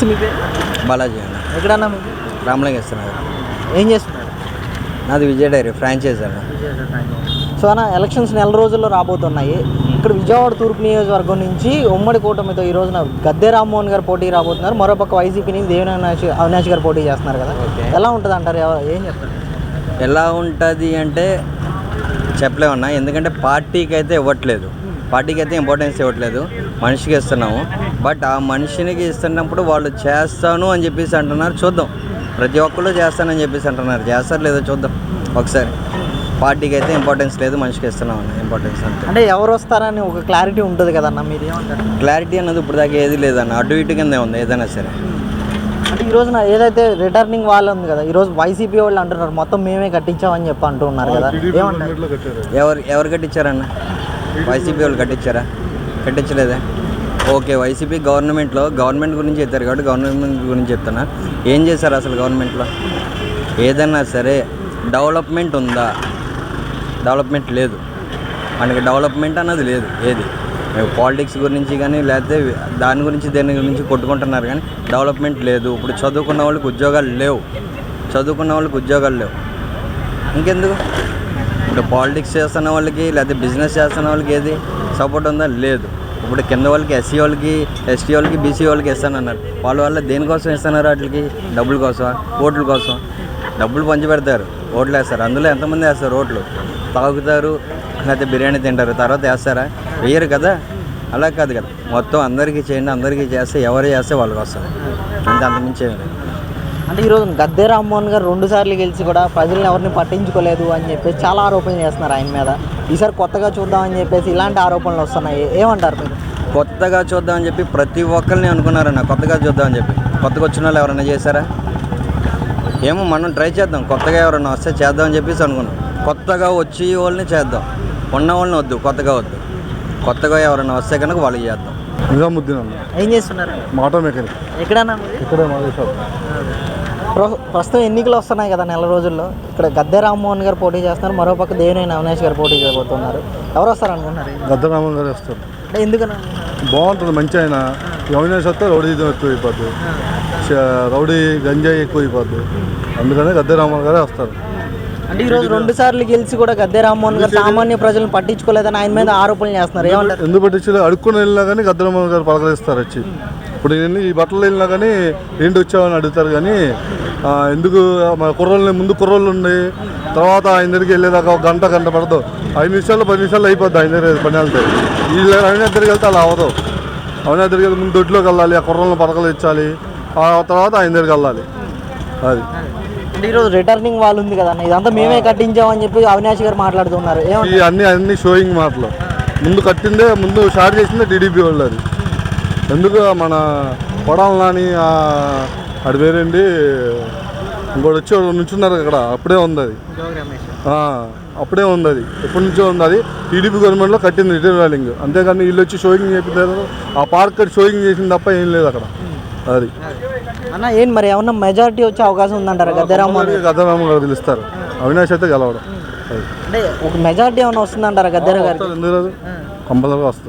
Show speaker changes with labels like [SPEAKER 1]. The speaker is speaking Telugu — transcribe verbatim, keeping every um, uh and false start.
[SPEAKER 1] నమస్తే, మీ పేరు?
[SPEAKER 2] బాలాజీ అన్న.
[SPEAKER 1] ఎక్కడన్నా మీకు?
[SPEAKER 2] రామలింగ ఇస్తున్నారు.
[SPEAKER 1] ఏం చేస్తున్నారు?
[SPEAKER 2] నాది విజయ డైరీ ఫ్రాంచైజ్ అన్న.
[SPEAKER 1] సో అన్న, ఎలక్షన్స్ నెల రోజుల్లో రాబోతున్నాయి. ఇక్కడ విజయవాడ తూర్పు నియోజకవర్గం నుంచి ఉమ్మడి కూటమితో ఈ రోజున గద్దె రామ్మోహన్ గారు పోటీ రాబోతున్నారు. మరోపక్క వైసీపీ నుంచి దేవినేని అవినాష్ అవినాష్ గారు పోటీ చేస్తున్నారు కదా. ఎలా ఉంటుంది అంటారు? ఏం చెప్తారు?
[SPEAKER 2] ఎలా ఉంటుంది అంటే చెప్పలేమన్నా, ఎందుకంటే పార్టీకి అయితే ఇవ్వట్లేదు, పార్టీకి అయితే ఇంపార్టెన్స్ ఇవ్వట్లేదు, మనిషికి ఇస్తున్నాము. బట్ ఆ మనిషినికి ఇస్తున్నప్పుడు వాళ్ళు చేస్తాను అని చెప్పేసి అంటున్నారు. చూద్దాం, ప్రతి ఒక్కళ్ళు చేస్తానని చెప్పేసి అంటున్నారు. చేస్తారు లేదో చూద్దాం ఒకసారి. పార్టీకి అయితే ఇంపార్టెన్స్ లేదు, మనిషికి ఇస్తున్నాం అన్న ఇంపార్టెన్స్ అంతే.
[SPEAKER 1] అంటే ఎవరు వస్తారని ఒక క్లారిటీ ఉంటుంది కదన్న, మీరు ఏమంటారు?
[SPEAKER 2] క్లారిటీ అన్నది ఇప్పుడు దాకా ఏది లేదన్న, అటు ఇటు కిందే ఉంది ఏదైనా సరే.
[SPEAKER 1] అంటే ఈ రోజున ఏదైతే రిటర్నింగ్ వాళ్ళు ఉంది కదా, ఈరోజు వైసీపీ వాళ్ళు అంటున్నారు మొత్తం మేమే కట్టించామని చెప్పి అంటున్నారు కదా, ఏమంటారు?
[SPEAKER 2] ఎవరు ఎవరు కట్టించారన్న? వైసీపీ వాళ్ళు కట్టించారా? కట్టించలేదే. ఓకే, వైసీపీ గవర్నమెంట్లో గవర్నమెంట్ గురించి చెప్తారు కాబట్టి గవర్నమెంట్ గురించి చెప్తున్నా. ఏం చేశారు అసలు గవర్నమెంట్లో? ఏదన్నా సరే డెవలప్మెంట్ ఉందా? డెవలప్మెంట్ లేదు. మనకి డెవలప్మెంట్ అన్నది లేదు. ఏది పాలిటిక్స్ గురించి కానీ లేకపోతే దాని గురించి దేని గురించి కొట్టుకుంటున్నారు కానీ డెవలప్మెంట్ లేదు. ఇప్పుడు చదువుకున్న వాళ్ళకి ఉద్యోగాలు లేవు, చదువుకున్న వాళ్ళకి ఉద్యోగాలు లేవు. ఇంకెందుకు? ఇప్పుడు పాలిటిక్స్ చేస్తున్న వాళ్ళకి లేకపోతే బిజినెస్ చేస్తున్న వాళ్ళకి ఏది సపోర్ట్ ఉందా? లేదు. ఇప్పుడు కింద వాళ్ళకి ఎస్సీ వాళ్ళకి ఎస్టీ వాళ్ళకి బీసీ వాళ్ళకి ఇస్తానన్నారు. వాళ్ళ వల్ల దేనికోసం ఇస్తున్నారు? వాటికి డబ్బుల కోసం, ఓట్ల కోసం. డబ్బులు పంచి పెడతారు, ఓట్లు వేస్తారు. అందులో ఎంతమంది వేస్తారు? ఓట్లు తాగుతారు లేకపోతే బిర్యానీ తింటారు, తర్వాత వేస్తారా? వేయరు కదా. అలా కాదు కదా, మొత్తం అందరికీ చేయండి, అందరికీ చేస్తే ఎవరు చేస్తే వాళ్ళకి వస్తారు అంతే, అంతమించి ఏమి లేదు.
[SPEAKER 1] అంటే ఈరోజు గద్దె రామ్మోహన్ గారు రెండు సార్లు గెలిచి కూడా ప్రజలను ఎవరిని పట్టించుకోలేదు అని చెప్పేసి చాలా ఆరోపణలు చేస్తున్నారు ఆయన మీద. ఈసారి కొత్తగా చూద్దామని చెప్పేసి ఇలాంటి ఆరోపణలు వస్తున్నాయి, ఏమంటారు మీరు?
[SPEAKER 2] కొత్తగా చూద్దామని చెప్పి ప్రతి ఒక్కరిని అనుకున్నారన్న, కొత్తగా చూద్దామని చెప్పి. కొత్తగా వచ్చిన వాళ్ళు ఎవరైనా చేశారా? ఏమో మనం ట్రై చేద్దాం, కొత్తగా ఎవరైనా వస్తే చేద్దామని చెప్పేసి అనుకున్నాం. కొత్తగా వచ్చి వాళ్ళని చేద్దాం, ఉన్న వాళ్ళని వద్దు, కొత్తగా వద్దు. కొత్తగా ఎవరైనా వస్తే కనుక వాళ్ళకి చేద్దాం.
[SPEAKER 3] నిజాముద్దీన్ అన్న.
[SPEAKER 1] ఏం చేస్తున్నారు?
[SPEAKER 3] మాట మెకానిక్.
[SPEAKER 1] ఎక్కడన్నా?
[SPEAKER 3] ఇక్కడే మాది షాప్.
[SPEAKER 1] ప్రస్తుతం ఎన్నికలు వస్తున్నాయి కదా నెల రోజుల్లో. ఇక్కడ గద్దె రామ్మోహన్ గారు పోటీ చేస్తున్నారు, మరోపక్క దేవినేని అవినాష్ గారు పోటీ చేయబోతున్నారు. ఎవరు వస్తారు అనుకుంటున్నారు?
[SPEAKER 3] గద్దె రామ్మోహన్ గారు వస్తారు.
[SPEAKER 1] అంటే ఎందుకని?
[SPEAKER 3] బాగుంటుంది, మంచి ఆయన. అవినాష్ వస్తే రౌడీజం ఎక్కువ అయిపోద్ది, రౌడీ గంజాయి ఎక్కువ అయిపోద్ది. అందుకనే గద్దె రామ్మోహన్ గారే వస్తారు.
[SPEAKER 1] అంటే ఈరోజు రెండు సార్లు గెలిచి కూడా గద్దె రామ్మోహన్ గారు సామాన్య ప్రజలను పట్టించుకోలేదని ఆయన మీద ఆరోపణలు చేస్తున్నారు, ఏమంటారు?
[SPEAKER 3] ఎందుకు పట్టించు? అడుక్కుని వెళ్ళినా కానీ గద్దె రామ్మోహన్ గారు పలకరిస్తారు వచ్చి. ఇప్పుడు నేను ఈ బట్టలు వెళ్ళినా కానీ ఏంటి వచ్చావని అడుగుతారు కానీ ఎందుకు మన కుర్రోళ్ళని ముందు కుర్రోళ్ళు ఉండి తర్వాత ఆయన దగ్గరికి వెళ్ళేదాకా ఒక గంట గంట పడదు. ఐదు నిమిషాలు పది నిమిషాలు అయిపోద్ది ఆయన దగ్గర పని వెళ్తే. వీళ్ళు ఆయన దగ్గరికి వెళ్తే అలా అవ్వదు. ఆయన దగ్గరికి వెళ్తే ముందు దొడ్లోకి వెళ్ళాలి, ఆ కుర్రోళ్ళని పలకలు ఇచ్చాలి, ఆ తర్వాత ఆయన దగ్గరికి వెళ్ళాలి. అది
[SPEAKER 1] అంటే ఈరోజు రిటర్నింగ్ వాళ్ళు ఉంది కదా, ఇదంతా మేమే కట్టించామని చెప్పి అవినాష్ గారు మాట్లాడుతున్నారు.
[SPEAKER 3] ఈ అన్ని అన్ని షోయింగ్ మాటలు. ముందు కట్టిందే, ముందు స్టార్ట్ చేసిందే టీడీపీ వాళ్ళు. అది ఎందుకు మన కొడాలని అటు వేరేంటి ఇంకోటి వచ్చి నుంచున్నారు అక్కడ, అప్పుడే ఉంది అది. అప్పుడే ఉంది అది, ఎప్పటి నుంచో ఉంది అది. టీడీపీ గవర్నమెంట్లో కట్టింది రిటర్నింగ్, అంతేగాని వీళ్ళు వచ్చి షోయింగ్ చేపిస్తారు. ఆ పార్క్ కట్టి షోయింగ్ చేసింది తప్ప ఏం లేదు అక్కడ. అది
[SPEAKER 1] అన్న ఏం మరి ఏమన్నా మెజారిటీ వచ్చే అవకాశం ఉందంటారా? గద్దె రామ్మోహన్
[SPEAKER 3] గద్దె రామ్మోహన్ గారు పిలుస్తారు, అవినాష్ అయితే గెలవడం.
[SPEAKER 1] అంటే ఒక మెజారిటీ ఏమైనా వస్తుందంటారా గద్దె గారు?
[SPEAKER 3] ఎందుకు కంపల్సరీగా వస్తుంది.